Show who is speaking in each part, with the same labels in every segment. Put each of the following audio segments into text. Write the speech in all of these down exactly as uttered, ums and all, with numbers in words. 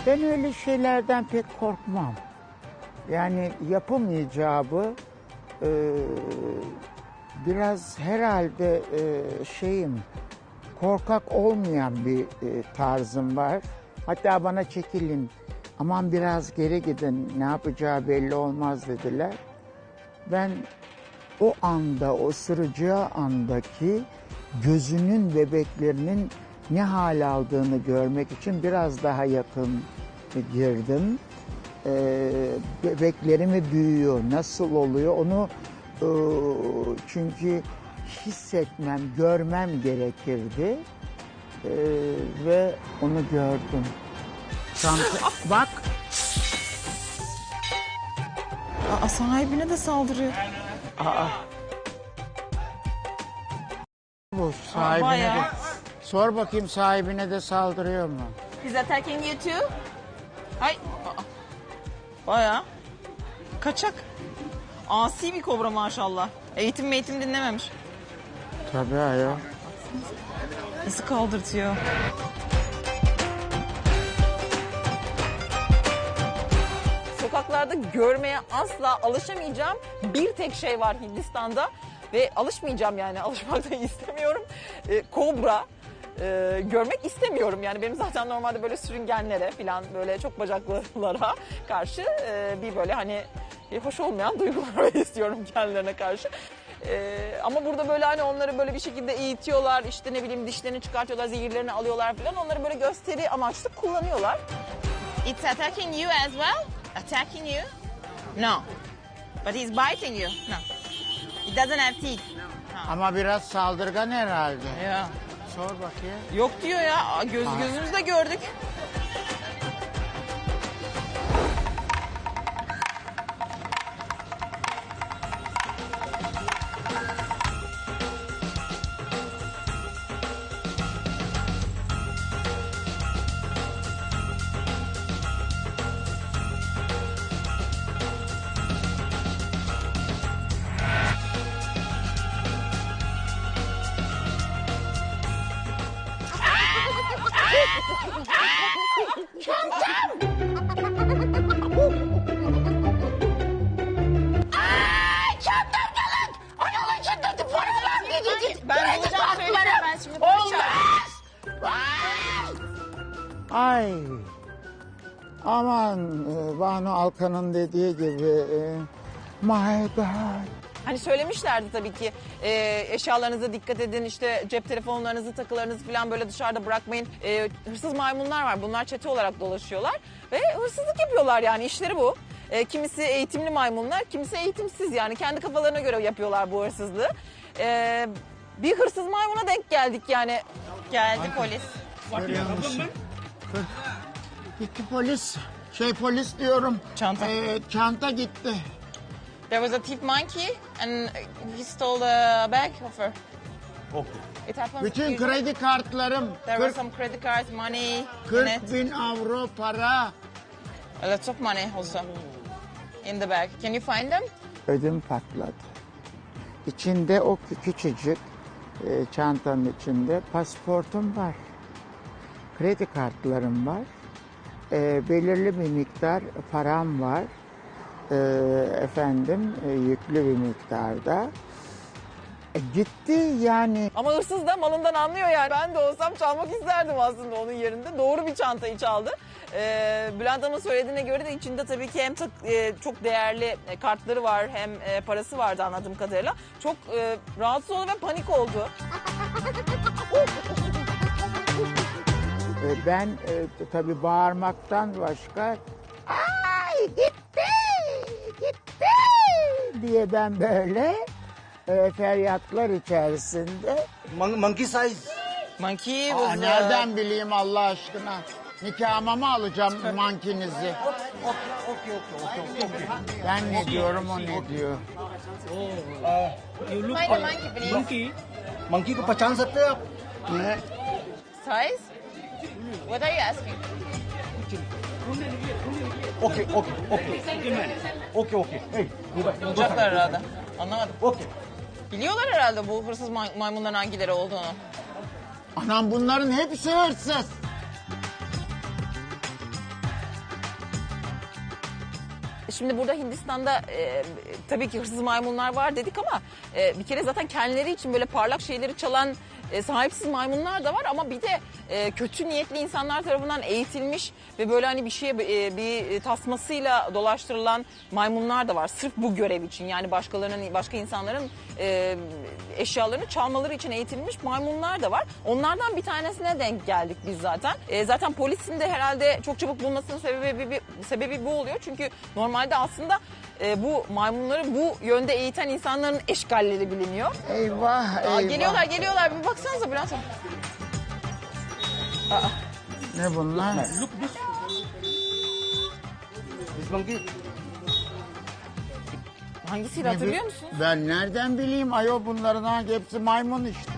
Speaker 1: Ben öyle şeylerden pek korkmam. Yani yapım icabı e, biraz herhalde e, şeyim, korkak olmayan bir e, tarzım var. Hatta bana çekilin, aman biraz geri gidin, ne yapacağı belli olmaz dediler. Ben o anda, o ısıracağı andaki gözünün, bebeklerinin ne hal aldığını görmek için biraz daha yakın girdim. Ee, bebeklerimi büyüyor, nasıl oluyor onu e, çünkü hissetmem, görmem gerekirdi. Ee, ve onu gördüm. Çanta, bak.
Speaker 2: Aa, sahibine de saldırıyor.
Speaker 1: Aa. Bu sahibine
Speaker 2: bayağı.
Speaker 1: de, sor bakayım sahibine de saldırıyor mu?
Speaker 2: He's attacking you too? Ay. Aa. Bayağı. Kaçak. Asi bir kobra maşallah. Eğitim eğitim dinlememiş.
Speaker 1: Tabii ayol.
Speaker 2: Nasıl kaldırtıyor? Sokaklarda görmeye asla alışamayacağım bir tek şey var Hindistan'da. Ve alışmayacağım yani, alışmak da istemiyorum. Ee, kobra. Ee, görmek istemiyorum yani, benim zaten normalde böyle sürüngenlere falan, böyle çok bacaklılara karşı e, bir böyle hani e, hoş olmayan duygular istiyorum kendilerine karşı. Ee, ama burada böyle hani onları böyle bir şekilde eğitiyorlar, işte ne bileyim dişlerini çıkartıyorlar, zehirlerini alıyorlar falan, onları böyle gösteri amaçlı kullanıyorlar. It's attacking you as well? Attacking you? No. But he's biting you? No. It doesn't have teeth.
Speaker 1: Ama biraz saldırgan herhalde.
Speaker 2: Ya.
Speaker 1: Sor bakayım.
Speaker 2: Yok diyor ya. Göz gözümüzle gördük. Ben bulacağım, söyleyeceğim ben şimdi.
Speaker 1: Ay. Aman e, Banu Alkan'ın dediği gibi. E, my God.
Speaker 2: Hani söylemişlerdi tabii ki e, eşyalarınıza dikkat edin, işte cep telefonlarınızı, takılarınızı falan böyle dışarıda bırakmayın. E, hırsız maymunlar var, bunlar çete olarak dolaşıyorlar ve hırsızlık yapıyorlar, yani işleri bu. E, kimisi eğitimli maymunlar, kimisi eğitimsiz, yani kendi kafalarına göre yapıyorlar bu hırsızlığı. E, bir hırsız maymuna denk geldik yani. Geldi polis.
Speaker 1: Görüyor musun? Gitti polis. Şey polis diyorum.
Speaker 2: Çanta.
Speaker 1: E, çanta gitti.
Speaker 2: There was a thief monkey and he stole a bag of her.
Speaker 3: Okay.
Speaker 2: It happened.
Speaker 1: Bütün kredi kartlarım.
Speaker 2: There were
Speaker 1: kırk,
Speaker 2: some credit cards, money in
Speaker 1: kırk
Speaker 2: it.
Speaker 1: bin avro para.
Speaker 2: A lot of money also in the bag. Can you find them?
Speaker 1: Ödüm patladı. İçinde o küçücük e, çantanın içinde pasaportum var. Kredi kartlarım var. E, belirli bir miktar param var. E, efendim e, yüklü bir miktarda. E, gitti yani.
Speaker 2: Ama hırsız da malından anlıyor yani. Ben de olsam çalmak isterdim aslında onun yerinde. Doğru bir çantayı çaldı. Ee, Bülent Hanım'ın söylediğine göre de içinde tabii ki hem tak, e, çok değerli e, kartları var, hem e, parası vardı anladığım kadarıyla. Çok e, rahatsız oldu ve panik oldu.
Speaker 1: E, ben e, tabii bağırmaktan başka ay gitti gitti diye ben böyle e, feryatlar içerisinde.
Speaker 3: Mon- monkey size.
Speaker 2: Monkey
Speaker 1: Aa,
Speaker 2: was, uh,
Speaker 1: nereden bileyim Allah aşkına? Nikahıma mı alacağım mankinizi?
Speaker 3: Okay, okay, okay, okay, okay.
Speaker 1: Ben ne diyorum o ne diyor?
Speaker 3: Uh, you look
Speaker 2: Find a monkey, please.
Speaker 3: monkey. Monkey को पहचान सकते हैं आप?
Speaker 1: Ne?
Speaker 2: Size? What are you asking?
Speaker 3: Okay, okay, okay. Okay, okay. Hey, go back. Go
Speaker 2: Bulacaklar
Speaker 3: back.
Speaker 2: herhalde. Anlamadım.
Speaker 3: Okay.
Speaker 2: Biliyorlar herhalde bu hırsız may- maymunların hangileri olduğunu.
Speaker 1: Anam bunların hepsi hırsız.
Speaker 2: şimdi burada Hindistan'da e, tabii ki hırsız maymunlar var dedik ama e, bir kere zaten kendileri için böyle parlak şeyleri çalan e, sahipsiz maymunlar da var ama bir de e, kötü niyetli insanlar tarafından eğitilmiş ve böyle hani bir şeye e, bir tasmasıyla dolaştırılan maymunlar da var. Sırf bu görev için, yani başkalarının, başka insanların e, eşyalarını çalmaları için eğitilmiş maymunlar da var. Onlardan bir tanesine denk geldik biz zaten. E, zaten polisin de herhalde çok çabuk bulmasının sebebi bir, sebebi bu oluyor. Çünkü normalde aslında e, bu maymunları bu yönde eğiten insanların eşgalleri biliniyor.
Speaker 1: Eyvah eyvah.
Speaker 2: Aa, geliyorlar geliyorlar, bir baksanıza Bülent Hanım. Aa,
Speaker 1: Ne bunlar?
Speaker 3: Look this. This monkey.
Speaker 2: hangisiydi
Speaker 1: Ne
Speaker 2: hatırlıyor
Speaker 1: bi-
Speaker 2: musun?
Speaker 1: Ben nereden bileyim ayol, bunların hangi hepsi maymun işte.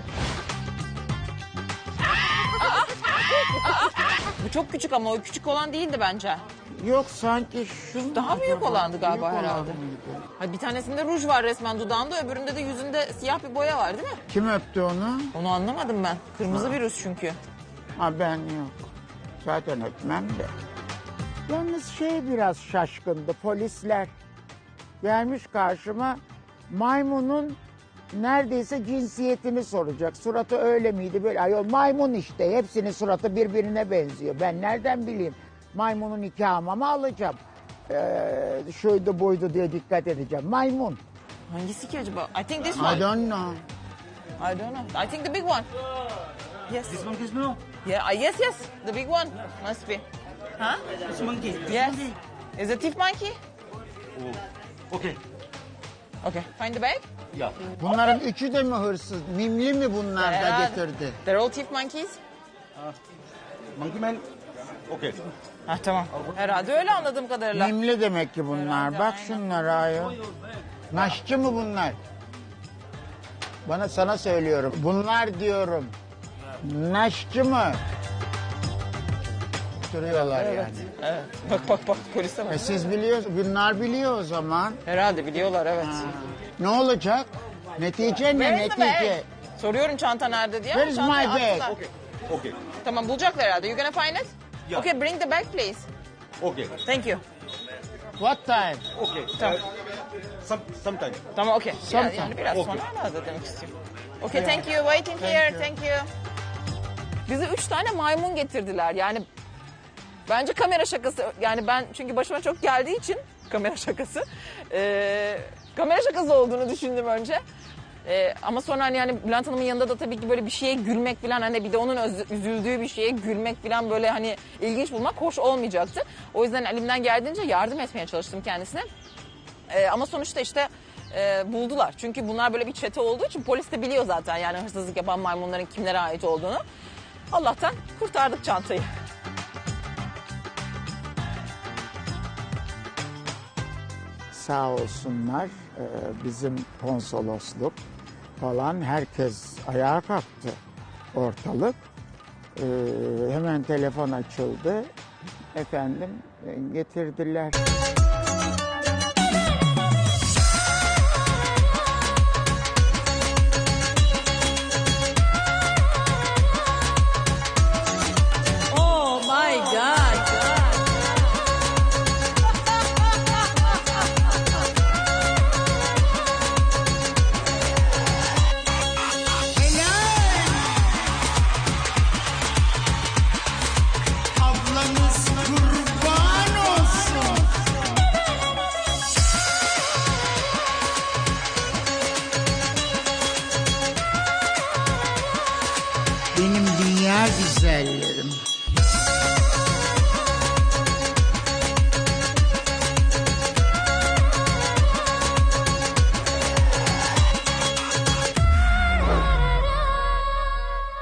Speaker 2: Bu çok küçük ama o küçük olan değildi bence.
Speaker 1: Yok sanki şu
Speaker 2: Daha büyük olandı galiba
Speaker 1: Büyük olan
Speaker 2: herhalde.
Speaker 1: mıydı?
Speaker 2: Ha, bir tanesinde ruj var resmen dudağında, öbüründe de yüzünde siyah bir boya var değil mi?
Speaker 1: Kim öptü onu?
Speaker 2: Onu anlamadım ben. Kırmızı bir ruj çünkü.
Speaker 1: Ha ben yok. Zaten öpmem de. Yalnız şey biraz şaşkındı, polisler. Gelmiş karşıma, maymunun neredeyse cinsiyetini soracak. Suratı öyle miydi böyle? Ayol maymun işte, hepsinin suratı birbirine benziyor. Ben nereden bileyim? Maymunun nikahıma mı alacağım? Ee, şuydu buydu diye dikkat edeceğim. Maymun.
Speaker 2: Hangisi ki acaba? I think this
Speaker 1: I
Speaker 2: one.
Speaker 1: don't know.
Speaker 2: I don't know. I think the big one. Yes.
Speaker 3: This monkey is no.
Speaker 2: Yeah. uh, Yes. Yes. The big one must be. Huh?
Speaker 3: This monkey. This
Speaker 2: Yes.
Speaker 3: monkey.
Speaker 2: Is it thief monkey?
Speaker 3: Oh. Okay.
Speaker 2: Okay. Find the bag.
Speaker 3: Yeah.
Speaker 1: Bunların üçü de mi hırsız? Mimli mi bunlar da
Speaker 2: Herhalde.
Speaker 1: getirdi?
Speaker 2: They're all thief monkeys.
Speaker 3: Monkey man. Okay.
Speaker 2: Ha tamam. Herhalde öyle anladığım kadarıyla.
Speaker 1: Mimli demek ki bunlar.
Speaker 2: Herhalde,
Speaker 1: Bak
Speaker 2: aynen.
Speaker 1: şunlara ayol. Naşçı mı bunlar? Bana sana söylüyorum. Bunlar diyorum. Naşçı mı? Duruyorlar yani.
Speaker 2: Evet. Bak bak bak polise bak.
Speaker 1: E siz biliyorsunuz, bunlar biliyor o zaman.
Speaker 2: Herhalde biliyorlar evet.
Speaker 1: Ne olacak? Netice ne?
Speaker 2: Where is the
Speaker 1: Netice.
Speaker 2: bag? Soruyorum çanta nerede diye. ama
Speaker 1: Where is
Speaker 2: çantayı
Speaker 1: my bag?
Speaker 2: attılar.
Speaker 3: Okay. Okay.
Speaker 2: Tamam bulacaklar herhalde. You gonna find it?
Speaker 3: Yeah.
Speaker 2: Okay, bring the bag please.
Speaker 3: Okay.
Speaker 2: Thank you.
Speaker 1: What time?
Speaker 3: Okay.
Speaker 2: Tamam.
Speaker 3: Uh, some sometime.
Speaker 2: Tamam okey. Yani,
Speaker 1: Sometime.
Speaker 2: yani biraz
Speaker 3: Okay.
Speaker 2: sonra herhalde demek istiyorum. Okay, thank you. Waiting
Speaker 1: Thank
Speaker 2: here.
Speaker 1: you.
Speaker 2: Thank you. Bize üç tane maymun getirdiler. Yani bence kamera şakası. Yani ben çünkü başıma çok geldiği için kamera şakası. Ee, kamera şakası olduğunu düşündüm önce. Ee, ama sonra hani yani Bülent Hanım'ın yanında da tabii ki böyle bir şeye gülmek falan, hani bir de onun öz- üzüldüğü bir şeye gülmek falan böyle hani ilginç bulmak hoş olmayacaktı. O yüzden elimden geldiğince yardım etmeye çalıştım kendisine. Ee, ama sonuçta işte e, buldular. Çünkü bunlar böyle bir çete olduğu için polis de biliyor zaten yani hırsızlık yapan maymunların kimlere ait olduğunu. Allah'tan kurtardık çantayı.
Speaker 1: Sağ olsunlar e, bizim konsolosluk falan, herkes ayağa kalktı ortalık. E, hemen telefon açıldı. Efendim e, getirdiler.
Speaker 2: Oh my God.
Speaker 1: Ablanız kurban olsun. Benim dünya güzellerim.